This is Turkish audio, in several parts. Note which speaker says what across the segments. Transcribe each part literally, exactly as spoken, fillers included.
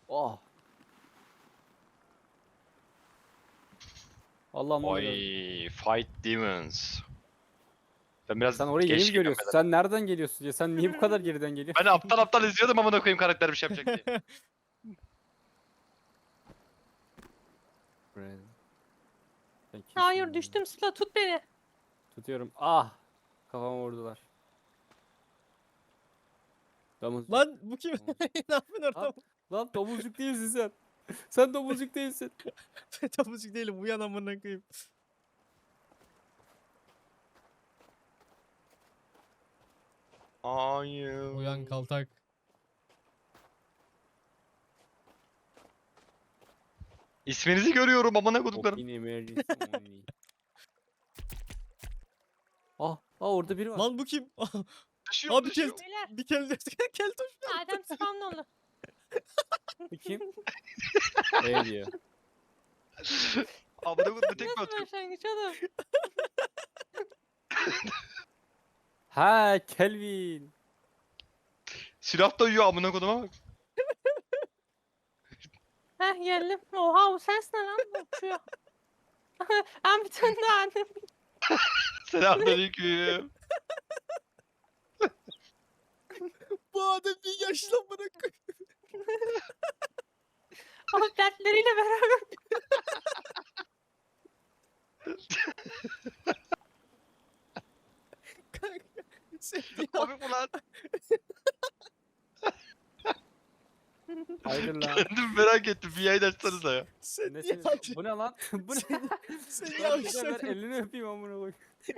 Speaker 1: Oh. Allah'ım ne oluyor?
Speaker 2: Oy, fight demons. Ben biraz
Speaker 1: Sen orayı yeni
Speaker 2: geç
Speaker 1: mi
Speaker 2: geliyorum
Speaker 1: görüyorsun?
Speaker 2: beyler.
Speaker 1: Sen nereden geliyorsun ya? Sen niye bu kadar geriden geliyorsun?
Speaker 2: Ben aptal aptal izliyordum amına koyayım karakter bir şey yapacak diye.
Speaker 1: Sen kimsin
Speaker 3: Hayır
Speaker 1: ya?
Speaker 3: düştüm Sıla tut beni.
Speaker 1: Tutuyorum. Ah! Kafama vurdular. Domuz.
Speaker 4: Lan bu kim?
Speaker 1: Tamam.
Speaker 4: Ne yapıyorsun orada?
Speaker 1: Lan, lan domuzcuk değilsin sen. Sen domuzcuk değilsin.
Speaker 4: Tabucuk değilim. Uyan amına koyayım.
Speaker 2: Hayır.
Speaker 4: Uyan kaltak.
Speaker 2: İsminizi görüyorum amına koyduklarım.
Speaker 1: Open emergency only. Ah, ah orada biri var.
Speaker 4: Lan bu kim?
Speaker 2: Düşüyor,
Speaker 4: Abi
Speaker 2: düşüyor.
Speaker 4: kel
Speaker 3: Beyler
Speaker 4: bir kel kel toş.
Speaker 3: Adem spamlı
Speaker 1: Bu kim? E diyor.
Speaker 2: Amına koydum tek mi
Speaker 3: Nasıl
Speaker 2: atıyorum?
Speaker 3: başlangıç oğlum?
Speaker 1: Ha, Kelvin.
Speaker 2: Silah da uyuyor amına koyduma bak.
Speaker 3: Heh geldim. Oha o ses ne lan? Uçuyor. Ben bir tane daha annem.
Speaker 2: Selamünaleyküm.
Speaker 4: Bu adam bir yaşlı amına koyayım.
Speaker 3: Ama dertleriyle beraber.
Speaker 4: Kanka. Sen ya.
Speaker 2: Komik mi lan?
Speaker 1: Hayır lan.
Speaker 2: Kendim merak ettim. Bir yayın açsanıza ya.
Speaker 4: Sen
Speaker 1: Ne
Speaker 4: niye
Speaker 1: sen-
Speaker 4: acı?
Speaker 1: bu ne lan? Bu ne?
Speaker 4: Sen
Speaker 1: Lan
Speaker 4: niye
Speaker 1: bir de ver,
Speaker 4: aşağı?
Speaker 1: elini öpeyim amına koy.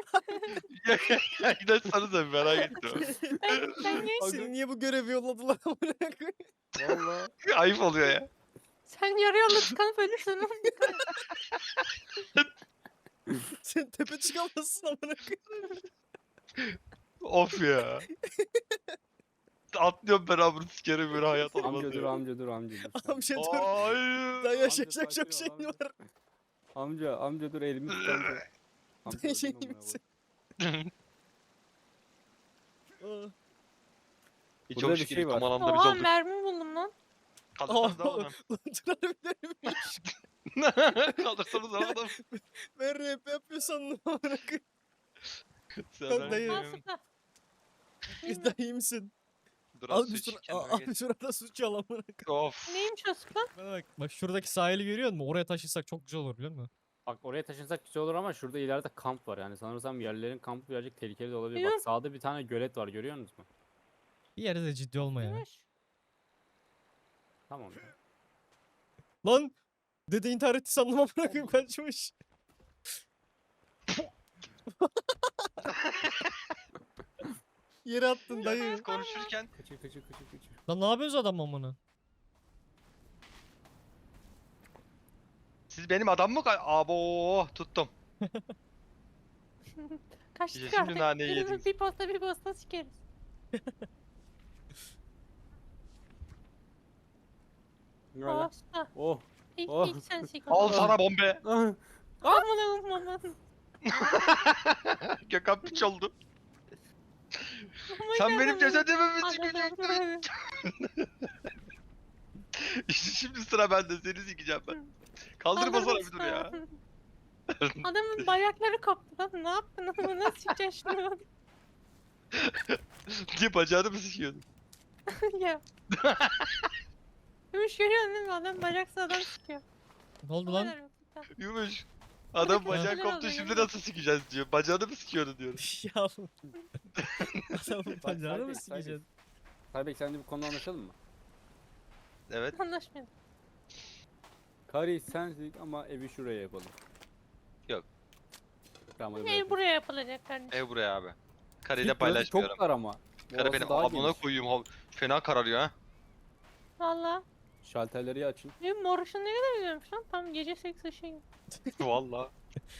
Speaker 2: Yayın açsanıza bir merak ettim.
Speaker 3: Ben, sen niye?
Speaker 4: Seni niye bu görevi yolladılar amına koyayım?
Speaker 1: Valla.
Speaker 2: Ayıp oluyor ya.
Speaker 3: Sen yarı yolda tıkanıp ölürsün oğlum.
Speaker 4: Sen tepe çıkamazsın amına koyayım.
Speaker 2: Of ya. Atlıyorum ben amına sikerim bir hayat olmaz
Speaker 1: Amca dur
Speaker 2: ya.
Speaker 1: amca dur amca dur.
Speaker 4: Amca dur.
Speaker 2: Hayır.
Speaker 4: Daha
Speaker 1: Amca
Speaker 4: yaşayacak
Speaker 1: sakin
Speaker 4: çok
Speaker 1: ol,
Speaker 4: şeyin
Speaker 1: amca.
Speaker 4: var.
Speaker 1: Amca amca dur elimi tut amca. Amca
Speaker 4: Ben
Speaker 1: öldüm
Speaker 4: şey
Speaker 1: amına
Speaker 4: misin?
Speaker 1: koyayım.
Speaker 4: Aa.
Speaker 2: Hiç
Speaker 1: Burada
Speaker 2: hoş
Speaker 1: bir
Speaker 2: şey
Speaker 1: şey var.
Speaker 2: tam alanda biz
Speaker 3: Oha
Speaker 2: olduk.
Speaker 3: mermi buldum lan.
Speaker 2: Kaldırsanız da
Speaker 4: Aa,
Speaker 2: oğlum.
Speaker 4: lan dur harbiden
Speaker 2: Kaldırsanız da oğlum.
Speaker 4: ben rap yapıyor sandım amına koyayım.
Speaker 2: Sen
Speaker 4: dayı.
Speaker 3: Al
Speaker 2: de-
Speaker 3: sıkla.
Speaker 4: Daha iyi misin?
Speaker 2: Dur
Speaker 4: Al
Speaker 2: az
Speaker 4: bir
Speaker 2: su
Speaker 4: şura,
Speaker 2: iç, kendine
Speaker 4: Aa,
Speaker 2: gel.
Speaker 4: abi şurada su çal amına koyayım.
Speaker 2: Of.
Speaker 3: Neymiş o sıkla?
Speaker 4: Bana bak. Bak şuradaki sahili görüyor musun? Oraya taşırsak çok güzel olur biliyor musun?
Speaker 1: Bak oraya taşınsak güzel olur ama şurada ileride kamp var yani sanırsam yerlerin kampı birazcık tehlikeli de olabilir. Bak
Speaker 3: Yok.
Speaker 1: sağda bir tane gölet var görüyor musunuz?
Speaker 4: Bir yere de ciddi olma ya.
Speaker 3: Neymiş?
Speaker 1: Tamam. ya.
Speaker 4: Lan! Dede intihar etti sandım amına koyayım kaçmış. Yere attın dayı.
Speaker 2: Biz konuşurken
Speaker 1: Kaçır kaçır kaçır kaçır.
Speaker 4: Lan ne yapıyorsun adam amına?
Speaker 2: siz benim adam mı? kay- Abo tuttum.
Speaker 3: Kaçtık
Speaker 2: İşte şimdi
Speaker 3: artık.
Speaker 2: naneyi
Speaker 3: Birimiz
Speaker 2: yediniz.
Speaker 3: bir posta bir posta sikeriz.
Speaker 1: Ne var lan?
Speaker 3: Posta.
Speaker 1: Oh.
Speaker 3: İlk,
Speaker 1: Oh.
Speaker 3: ilk sen sik.
Speaker 2: Al sana bombe.
Speaker 1: Ah.
Speaker 3: Aman aman aman.
Speaker 2: Gökhan piç oldu.
Speaker 3: Aman
Speaker 2: Sen benim
Speaker 3: aman.
Speaker 2: cesedimi mi
Speaker 3: Aman
Speaker 2: sikecektin?
Speaker 3: aman.
Speaker 2: İşte şimdi sıra bende seni sikeceğim ben. Kaldırmasana bir dur ya.
Speaker 3: Adamın bayrakları koptu lan. Ne yaptın ama nasıl sikeceksin şunu?
Speaker 2: Diye bacağını mı sikiyordun?
Speaker 3: Ya. Gümüş görüyorsun değil mi? Adam bacaksız adam sikiyor.
Speaker 4: Ne oldu
Speaker 3: O
Speaker 4: lan?
Speaker 3: kadar basit.
Speaker 2: Yumuş. Adam
Speaker 3: Buradaki
Speaker 2: bacağı
Speaker 3: meseleler
Speaker 2: koptu
Speaker 3: oluyor,
Speaker 2: şimdi
Speaker 3: yemin
Speaker 2: nasıl sikeceğiz diyor. Bacağını mı sikiyordun diyorum.
Speaker 4: ya. Adamın bacağını mı
Speaker 1: Saybek,
Speaker 4: sikeceksin?
Speaker 1: Saybek sen de bu konuda anlaşalım mı?
Speaker 2: Evet.
Speaker 3: Anlaşmayalım.
Speaker 1: Kari sensin ama evi şuraya yapalım.
Speaker 2: Yok.
Speaker 1: Tamam hadi
Speaker 3: Ev
Speaker 1: bırakın.
Speaker 3: buraya yapılacak kardeşim.
Speaker 2: Ev buraya abi.
Speaker 1: Git,
Speaker 2: Kareyle
Speaker 1: burası
Speaker 2: paylaşmıyorum.
Speaker 1: Çok dar ama.
Speaker 2: Kare
Speaker 1: Orası
Speaker 2: benim
Speaker 1: daha
Speaker 2: amına
Speaker 1: geniş.
Speaker 2: koyayım. ha- Fena kararıyor ha.
Speaker 3: Valla.
Speaker 1: Şalterleri açın.
Speaker 3: Benim mor ışın ne kadar güzelmiş lan. Tam gece seks ışığı gibi.
Speaker 2: Valla.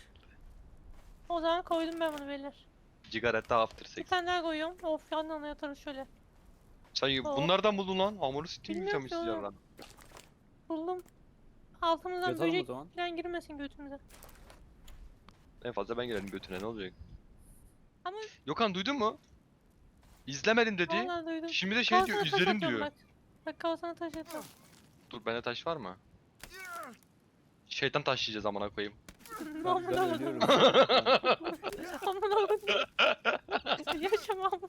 Speaker 3: O zaman koydum ben bunu beyler.
Speaker 2: Cigarette after
Speaker 3: Bir
Speaker 2: sex.
Speaker 3: tane daha koyuyorum. Of yandan yatarız şöyle.
Speaker 2: Sen
Speaker 3: Oo.
Speaker 2: bunlardan buldun lan. Hamuru sikeyim
Speaker 3: Bilmiyorum
Speaker 2: mi
Speaker 3: ki
Speaker 2: sıcak
Speaker 3: oğlum.
Speaker 2: lan?
Speaker 3: Buldum. Altımızdan
Speaker 1: Yatalım o
Speaker 3: böcek
Speaker 1: zaman.
Speaker 3: falan girmesin götümüze.
Speaker 2: En fazla ben girerim götüne ne olacak?
Speaker 3: Ama
Speaker 2: Yokan duydun mu? İzlemedim dedi.
Speaker 3: vallahi duydum.
Speaker 2: Şimdi de şey diyor
Speaker 3: Kafasına taş
Speaker 2: izlerim
Speaker 3: atıyorum
Speaker 2: diyor.
Speaker 3: Bak. Bak kafasına taş atıyorum.
Speaker 2: Dur bende taş var mı? Şeytan taşlayacağız amına koyayım.
Speaker 1: Ben,
Speaker 3: Amına
Speaker 1: ben
Speaker 3: koydum.
Speaker 1: ölüyorum.
Speaker 3: Amına koydum. Yaşamam.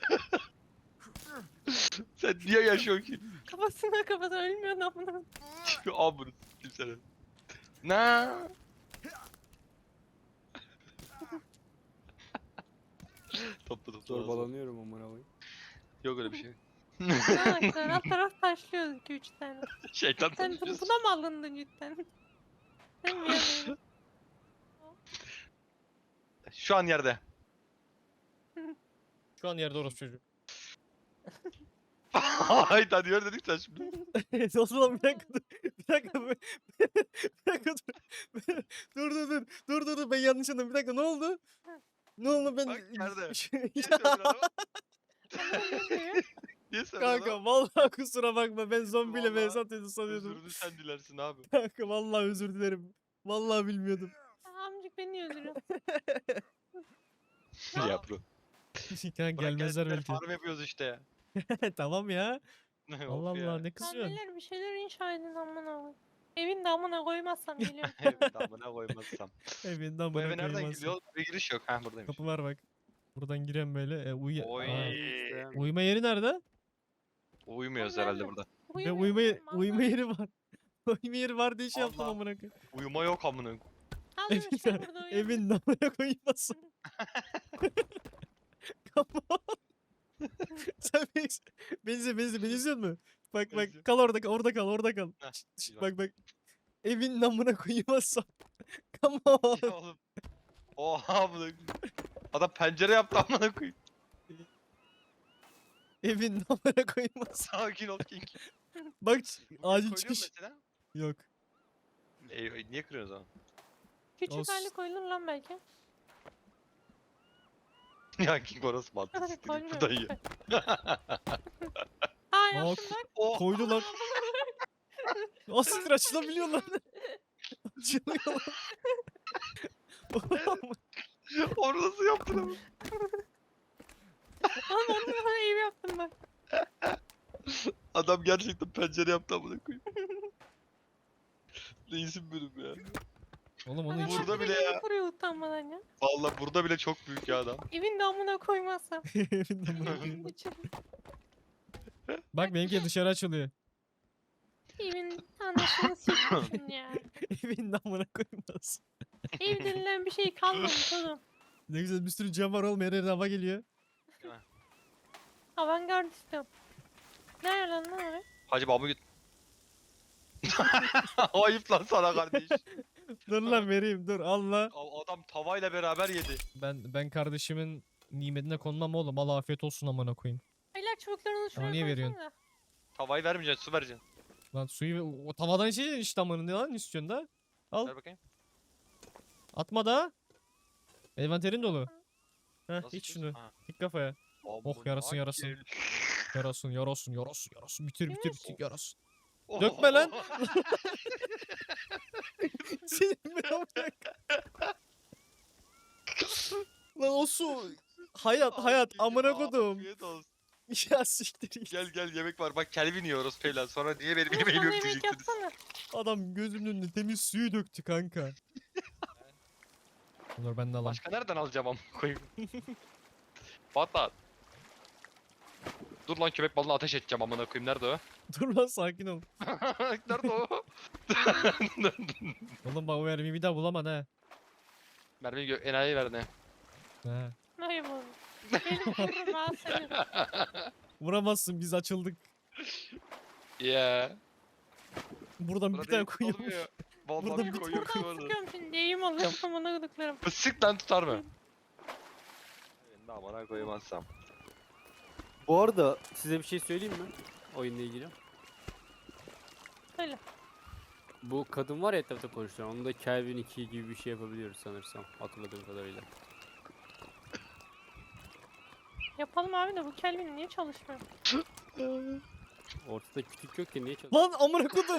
Speaker 2: Sen niye yaşıyorsun ki?
Speaker 3: Kafasına kafasına ölmüyor amına koydum.
Speaker 2: Amına s**tim seni. Ne? Topla topla.
Speaker 1: Zorbalanıyorum amına koyayım.
Speaker 2: Yok öyle bir şey.
Speaker 3: Ha, taraf taraf taşlıyoruz iki üç tane.
Speaker 2: Şeytan
Speaker 3: Sen bu-
Speaker 2: taşlıyorsun.
Speaker 3: buna mı alındın cidden? Sen mi yani?
Speaker 2: Şu an yerde.
Speaker 4: Şu an yerde orospu çocuğu.
Speaker 2: Hayda diyor dedik sen şimdi.
Speaker 4: O zaman bir dakika dur. Bir dakika dur. Bir dakika dur. Dur dur dur. Dur dur dur. Ben yanlış anladım. Bir dakika ne oldu? Ne oldu ben?
Speaker 2: Bak yerde.
Speaker 4: Ya
Speaker 2: Niye söylüyorsun adama?
Speaker 3: Anlamıyorum.
Speaker 2: Niye söylüyorsun
Speaker 4: kanka
Speaker 2: adama?
Speaker 4: vallahi kusura bakma. Ben zombiyle
Speaker 2: Vallahi
Speaker 4: vs atıyordu sanıyordum.
Speaker 2: Özürünü sen dilersin abi.
Speaker 4: Kanka vallahi özür dilerim. Vallahi bilmiyordum.
Speaker 3: Amcık beni öldürüyor.
Speaker 2: Ya bro.
Speaker 4: Kanka
Speaker 2: Bırak
Speaker 4: gelmezler
Speaker 2: kendine
Speaker 4: belki.
Speaker 2: Farm yapıyoruz işte ya.
Speaker 4: Tamam ya.
Speaker 2: Of
Speaker 4: Allah
Speaker 2: ya.
Speaker 4: Allah ne
Speaker 3: Lan
Speaker 4: kızıyorsun?
Speaker 3: beyler bir şeyler inşa edin amına koyayım. Evin de amına koymazsam geliyorum.
Speaker 2: Evet amına koymazsam.
Speaker 4: Evinden
Speaker 2: Bu eve
Speaker 4: bana
Speaker 2: nereden
Speaker 4: koymazsın.
Speaker 2: gidiyor? Bir giriş yok. Ha buradaymış.
Speaker 4: Kapı var bak. Buradan giren böyle. E, uyu
Speaker 2: Oy.
Speaker 4: Aa,
Speaker 1: İşte.
Speaker 4: uyuma yeri nerede?
Speaker 2: Uyumuyoruz
Speaker 3: Oğlum
Speaker 2: herhalde
Speaker 3: nerede?
Speaker 2: burada.
Speaker 4: Ve
Speaker 3: Uyumuyorum
Speaker 4: uyuma,
Speaker 3: ben,
Speaker 4: uyuma
Speaker 3: vallahi.
Speaker 4: yeri var. Uyuma yeri var diye şey yaptım
Speaker 2: Allah.
Speaker 4: amına koyayım.
Speaker 2: Uyuma yok amına.
Speaker 3: Al
Speaker 4: Evin,
Speaker 3: işte burada uyuyorum.
Speaker 4: evin namına koymasın. Come on. Sen beni, beni izle, beni izle, beni izliyor musun? Bak bak
Speaker 2: İzliyorum.
Speaker 4: kal orada kal, orada kal, orada kal.
Speaker 2: Heh,
Speaker 4: Şşt, şşt,
Speaker 2: iyi bak.
Speaker 4: bak bak. Evin namına koymazsam. Come on.
Speaker 2: Ya oğlum. Oha amına. Adam pencere yaptı amına koyayım.
Speaker 4: Evin namına koymazsam.
Speaker 2: Sakin ol King.
Speaker 4: Bak
Speaker 2: Bugün
Speaker 4: acil
Speaker 2: koyuyor
Speaker 4: çıkış.
Speaker 2: mesela.
Speaker 4: Yok.
Speaker 2: E, e, niye kırıyorsun o zaman?
Speaker 3: Küçük
Speaker 4: Olsun.
Speaker 3: hali koyulur lan belki.
Speaker 2: Ya King orası mantıksız değil.
Speaker 3: Koymuyorum.
Speaker 2: Buradan ye.
Speaker 3: Aa
Speaker 4: Bak,
Speaker 3: yaptım bak.
Speaker 2: Oh.
Speaker 4: koydular. Asiktir açılabiliyor lan. Açılıyor lan.
Speaker 2: Onu nasıl yaptın ama?
Speaker 3: Oğlum onu da ev yaptım bak.
Speaker 2: Adam gerçekten pencere yaptı amına koyayım. Reisim benim ya.
Speaker 4: Oğlum onu
Speaker 3: Adam
Speaker 4: için.
Speaker 2: Burada
Speaker 3: orada
Speaker 2: bile
Speaker 3: evi
Speaker 2: ya.
Speaker 3: kuruyor utanmadan ya.
Speaker 2: Vallahi burada bile çok büyük ya adam.
Speaker 3: Evin damına koymazsam.
Speaker 4: Evin namına koymaz.
Speaker 3: İçeri-
Speaker 4: Bak benimki dışarı açılıyor.
Speaker 3: Evin anasını sikmişsin ya.
Speaker 4: Evin namına koymaz.
Speaker 3: Ev denilen bir şey kalmamış oğlum.
Speaker 4: Ne güzel bir sürü cam var oğlum her yerden hava geliyor.
Speaker 3: Avantgard istiyorum. Nerede lan lan oraya?
Speaker 2: Hacı babamı git. Ayıp lan sana kardeş.
Speaker 4: Dur lan vereyim dur Allah.
Speaker 2: A- Adam tavayla beraber yedi.
Speaker 4: Ben ben kardeşimin nimetine konmam oğlum. Allah afiyet olsun amına koyayım.
Speaker 3: Beyler çubuklarını şuraya
Speaker 4: niye veriyorsun?
Speaker 3: koysana.
Speaker 2: Tavayı vermeyeceksin, su vereceksin.
Speaker 4: Lan suyu o tavadan içeceksin işte amına ne lan istiyorsun da? Al
Speaker 2: Ver bakayım.
Speaker 4: atma da. Envanterin dolu. Heh
Speaker 2: Nasıl
Speaker 4: iç
Speaker 2: içiyorsun?
Speaker 4: şunu.
Speaker 2: Ha.
Speaker 4: Dik kafaya.
Speaker 2: Amına
Speaker 4: yarasın, yarasın.
Speaker 2: gel.
Speaker 4: Yarasın yarasın yarasın yarasın. Bitir bitir bitir yarasın.
Speaker 2: Oh.
Speaker 4: Dökme lan. Senin ben amına. Lan o su. Hayat hayat amına kodum.
Speaker 2: Afiyet olsun.
Speaker 4: Ya siktir git.
Speaker 2: Gel gel yemek var. Bak Kelvin yiyoruz falan. Sonra niye benim
Speaker 3: Oğlum
Speaker 2: yemeğim
Speaker 3: bana
Speaker 2: yok
Speaker 3: yemek
Speaker 2: diyeceksiniz.
Speaker 3: yapsana.
Speaker 4: Adam gözümün önünde temiz suyu döktü kanka. Dur ben de alayım.
Speaker 2: Başka nereden alacağım amına koyayım? Patlat. Dur lan köpek balığına ateş edeceğim amına koyayım. Nerede o?
Speaker 4: Dur lan sakin ol.
Speaker 2: Nerede o?
Speaker 4: Oğlum bak o mermiyi bir daha bulamam ha.
Speaker 2: Mermiyi gö- enayi ver ne?
Speaker 4: Ha.
Speaker 3: Hayır oğlum. Gelip vururum ha seni.
Speaker 4: Vuramazsın biz açıldık.
Speaker 2: Yeah.
Speaker 4: Buradan bir
Speaker 2: Burada
Speaker 4: tane
Speaker 2: değil,
Speaker 4: koyuyormuş.
Speaker 2: olmuyor. Vallahi
Speaker 4: Burada
Speaker 2: bir
Speaker 4: bir
Speaker 2: koyuyorum
Speaker 3: Buradan
Speaker 2: bu arada.
Speaker 3: sıkıyorum şimdi. Eğim alıyorum. Amına koduklarım.
Speaker 2: Sık lan tutar mı? Ben de amına koymazsam.
Speaker 1: Bu arada size bir şey söyleyeyim mi? Oyunla ilgili.
Speaker 3: Söyle.
Speaker 1: Bu kadın var ya etrafta konuşulan. Onu da Kelvin iki gibi bir şey yapabiliyoruz sanırsam. Hatırladığım kadarıyla.
Speaker 3: Yapalım abi de bu Kelvin niye çalışmıyor?
Speaker 1: Ortada kütük yok ki niye çalışıyor?
Speaker 4: Lan amına kodum.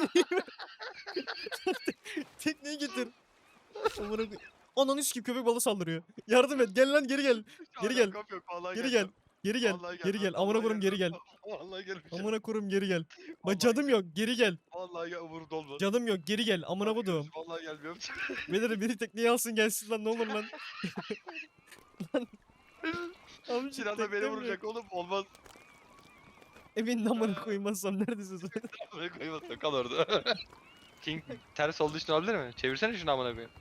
Speaker 4: Tekneyi getir. Amına koy. Ananı sikeyim köpek balığı saldırıyor. Yardım et gel lan geri gel. Geri gel.
Speaker 2: Alakam yok, vallahi
Speaker 4: Geri
Speaker 2: gelmem.
Speaker 4: Geri gel.
Speaker 2: Vallahi
Speaker 4: Geri gel.
Speaker 2: gelmem,
Speaker 4: Amına
Speaker 2: vallahi
Speaker 4: koyayım geri gel.
Speaker 2: gelmem. Vallahi gelmeyeceğim.
Speaker 4: Amına koyayım geri gel.
Speaker 2: Vallahi
Speaker 4: Bak cadım
Speaker 2: gel-
Speaker 4: yok. Geri gel.
Speaker 2: Vallahi gel umurumda olmaz.
Speaker 4: Cadım yok. Geri gel. Amına
Speaker 2: Hadi
Speaker 4: koyduğum.
Speaker 2: görüşürüz, Vallahi gelmiyorum.
Speaker 4: Beni biri tekneye alsın gelsin lan ne olur lan. Lan. Amca
Speaker 2: Sinan da beni
Speaker 4: teknem yok.
Speaker 2: vuracak oğlum. Olmaz.
Speaker 4: Evin amına koymazsam neredesin sen?
Speaker 2: Beni koymazsa kal orada. King ters olduğu için olabilir mi? Çevirsene şunu amına koyayım.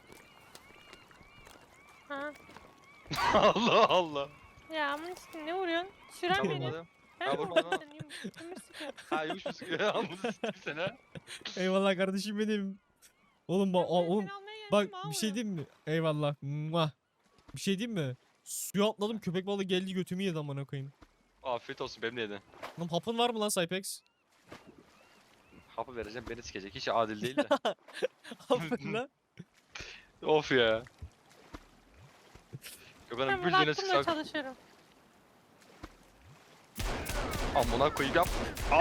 Speaker 3: Ha.
Speaker 2: Allah Allah.
Speaker 3: Ya amına sikeyim, ne vuruyorsun? Süren
Speaker 2: Tamam
Speaker 3: beni.
Speaker 2: oğlum.
Speaker 3: Ben
Speaker 2: Ya
Speaker 3: mi
Speaker 2: vurma
Speaker 3: vurdum
Speaker 2: lan.
Speaker 3: seni? Yum- yumruk sıkıyor.
Speaker 2: Ha yumuş mu sıkıyor? Amına sikeyim seni ha.
Speaker 4: Eyvallah kardeşim benim. Oğlum bak
Speaker 3: Ben
Speaker 4: oğlum
Speaker 3: seni almaya geldim,
Speaker 4: bak
Speaker 3: alma.
Speaker 4: bir şey diyeyim mi? Eyvallah. Muah. Bir şey diyeyim mi? Suya atladım köpek balığı geldi götümü yedi amına koyayım.
Speaker 2: Afiyet olsun benim de yedin.
Speaker 4: Lan hapın var mı lan Cypex?
Speaker 2: Hapı vereceğim beni sikecek. Hiç adil değil de.
Speaker 4: Hapın lan.
Speaker 2: Of ya.
Speaker 3: Ben
Speaker 2: Gökhan'ın
Speaker 3: bunu
Speaker 2: bildiğine
Speaker 3: aklımla
Speaker 2: sıksak
Speaker 3: çalışıyorum.
Speaker 2: amına koyayım yap.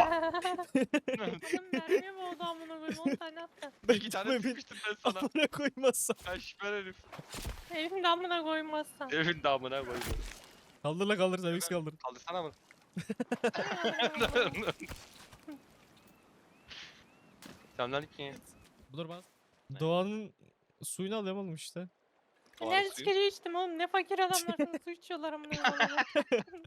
Speaker 3: Oğlum mermiye mi oldu amına koyayım? on tane attı.
Speaker 4: Ben
Speaker 2: İki tane
Speaker 4: gitmem,
Speaker 2: sıkmıştım ben sana.
Speaker 4: amına koymazsam.
Speaker 2: Ben şüphen herif.
Speaker 3: Elimde amına koymazsan.
Speaker 2: Evin damına koydu.
Speaker 4: Kaldır la kaldır Cypex kaldır.
Speaker 2: Kaldırsana mı? Selamünaleyküm.
Speaker 4: Dur bas. Doğanın suyunu alıyorum oğlum işte.
Speaker 2: Doğru
Speaker 3: Enerji
Speaker 2: suyu.
Speaker 3: içeceği içtim oğlum. Ne fakir adamlarsınız, su içiyorlar amına koyayım.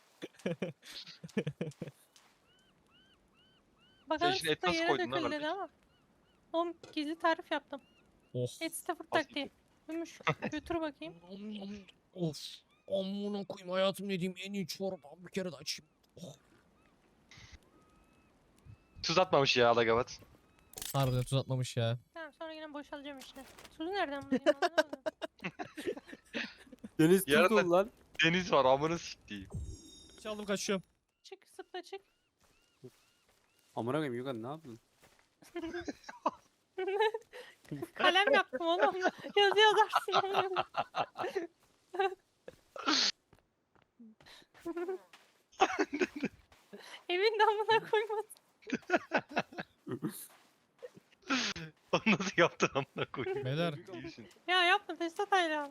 Speaker 3: Bakalım
Speaker 2: şimdi et
Speaker 3: sıkta
Speaker 2: nasıl
Speaker 3: yere
Speaker 2: koydun lan
Speaker 3: dökül dedi
Speaker 2: kardeşim?
Speaker 3: ama. Oğlum gizli tarif yaptım.
Speaker 4: Oh.
Speaker 3: Et sıfır
Speaker 2: Nasıl
Speaker 3: taktiği. Gümüş götür bakayım.
Speaker 4: Of. Amına koyayım hayatım yediğim en iyi çorba bir kere de açayım. Oh.
Speaker 2: Tuz atmamış ya Alagavat.
Speaker 4: Harbiden tuz atmamış ya.
Speaker 3: Tamam sonra yine boşalacağım içine. Suyu nereden bulayım anlamadım.
Speaker 1: Deniz
Speaker 2: Yarın
Speaker 1: tuz
Speaker 2: da-
Speaker 1: dolu lan.
Speaker 2: Deniz var amına siktiğim.
Speaker 4: Çaldım kaçıyorum.
Speaker 3: Çık sıpla çık.
Speaker 1: Amına koyayım Yukan ne yaptın?
Speaker 3: Kalem yaptım oğlum. Yazı yazarsın oğlum. Evin damına koymasın.
Speaker 2: Onu nasıl yaptın amına koyayım?
Speaker 4: Beyler.
Speaker 2: İyisin.
Speaker 3: Ya yapma Tesla Taylan.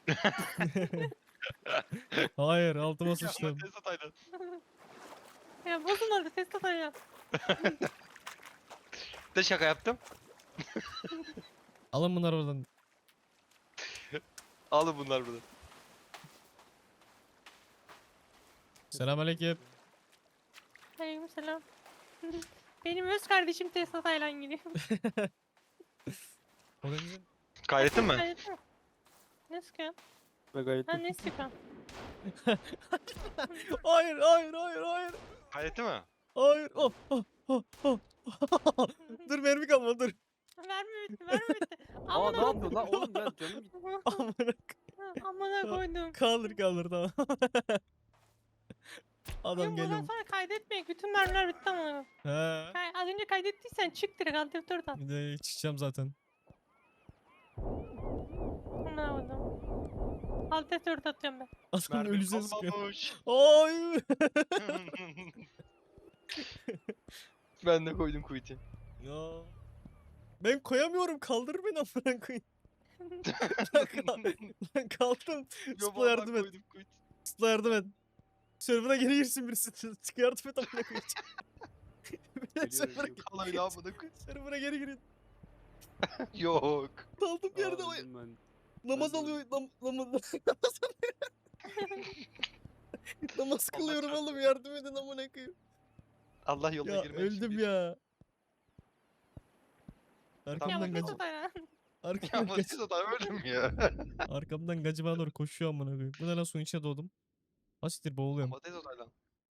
Speaker 4: Hayır altıma
Speaker 2: Ya
Speaker 4: sıçtım.
Speaker 2: Tesla Taylan.
Speaker 3: Ya bozun orada Tesla Taylan.
Speaker 2: De şaka yaptım.
Speaker 4: Alın bunları oradan.
Speaker 2: Alın bunlar buradan.
Speaker 4: Selamünaleyküm.
Speaker 3: Aleyküm selam. Benim öz kardeşim Tesla Taylan geliyor.
Speaker 4: O da güzel.
Speaker 2: Kaydettin mi?
Speaker 3: Kaydettin mi? Ne sıkıyorsun?
Speaker 1: Ve gayet
Speaker 3: Ha ne sıkıyorsun?
Speaker 4: Hayır hayır hayır hayır.
Speaker 2: Kaydetti mi?
Speaker 4: Hayır. Oh, oh, oh, oh. Dur mermi kalmadı dur.
Speaker 3: Verme bitti, verme bitti.
Speaker 1: Aa ne
Speaker 3: Amına
Speaker 1: yapıyorsun lan oğlum ben canım gitti.
Speaker 4: Amına
Speaker 3: Amına koydum.
Speaker 4: kaldır kaldır tamam. Adam
Speaker 3: Yok bundan
Speaker 4: geliyor.
Speaker 3: sonra kaydetmeyin. Bütün mermiler bitti amına.
Speaker 4: He.
Speaker 3: Kay az önce kaydettiysen çık direkt alt F dört at.
Speaker 4: Bir de çıkacağım zaten.
Speaker 3: Ne oldu? Alt F dört atıyorum ben.
Speaker 4: Adam
Speaker 2: Mermi
Speaker 4: ölüse sıkıyor.
Speaker 2: kalmamış.
Speaker 4: Ay.
Speaker 2: Ben de koydum kuytu.
Speaker 4: Ya. Ben koyamıyorum. Kaldır beni amına koyayım. Lan kal- Lan kaldım. Sıpla yardım et.
Speaker 2: koydum kuytu.
Speaker 4: Sıpla yardım et. Server'a geri girsin birisi. Çık yardım et amına koyayım. Beyler,
Speaker 1: Geliyorum,
Speaker 4: Server'a
Speaker 1: geliyorum.
Speaker 2: Vallahi amına koyayım.
Speaker 4: Server'a geri girin.
Speaker 2: Yok.
Speaker 4: Kaldım
Speaker 1: Aa,
Speaker 4: yerde. Ay,
Speaker 1: öldüm ben.
Speaker 4: namaz
Speaker 1: ben de
Speaker 4: alıyor. Nam, nam, namaz alıyor. Namaz kılıyorum
Speaker 2: çarpsın.
Speaker 4: oğlum yardım edin amına koyayım.
Speaker 2: Allah yoluna
Speaker 4: Ya
Speaker 2: girmek için
Speaker 4: öldüm
Speaker 2: bir-
Speaker 4: ya.
Speaker 3: Ya
Speaker 4: Arkamdan
Speaker 3: bu
Speaker 4: gacı.
Speaker 3: Tesla Taylan.
Speaker 2: Ya
Speaker 4: Arkamdan
Speaker 2: ama
Speaker 4: gacı.
Speaker 2: siz adam öldüm ya.
Speaker 4: Arkamdan gacı bana doğru koşuyor amına koyayım. Bu ne lan suyun içine doğdum. Hasittir boğuluyorum.
Speaker 2: Ama Tesla Taylan.